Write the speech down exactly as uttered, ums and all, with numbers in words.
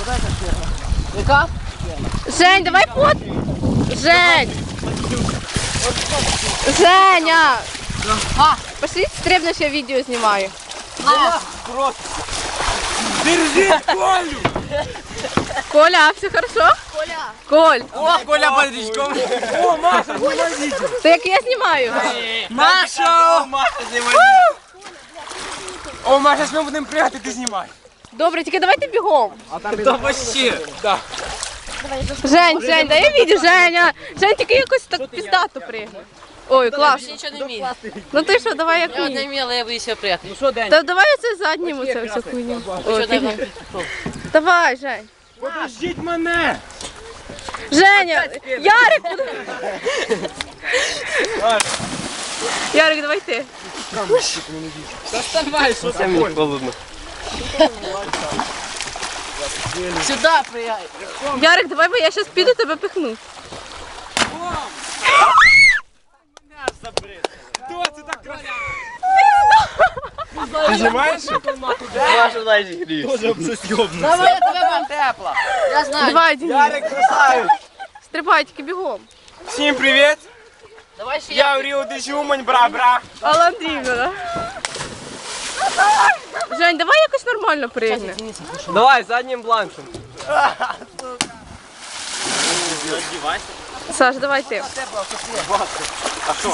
Яка? Жень, давай фот. Жень. Женя. А, Пошли стрибнеш, я відео знімаю. на. Держи Колю! Коля, все хорошо? Коля. Коль, О, Коля под речком. О, Маша, снимай видео. то як я знімаю? Маша! Маша, снимай. О, Маша, ми будемо пригати, ти знімай. Добре, тільки давайте бігом. Да вообще. Да. Жень, Жень, дай я відео, Женя. Жень, тільки якось так піздато пригни. Ой, клас. Я нічого не вмію. Ну ти що, давай як Я не мені. вміла, я боюся прятати. Ну що, День? Та давай оце заднім оце всю хуйню. Ой, Що, дай фігня. вам пішов. Давай, Жень. Подождіть мене! Женя, Ярик. Ярик, давай ти. Доставай, що це мені холодно. Сюди прияй. Ярик, давай, бо я зараз піду тебе пихну. Хто це так красиво? Ти знімаєш? Маша, дай зігрієш. Тоже щось йобну. Давай, я тебе вам тепло. Я знаю. Давай, Денис. Ярик красавець. Стрибай, тільки бігом. Всім привіт. Давай ще я. Я в Ріо де Жумань, бра-бра. Алла Андріївна, да? Жень, давай якось нормально пригни. Давай, заднім бланком. Саш, давай ти. А що?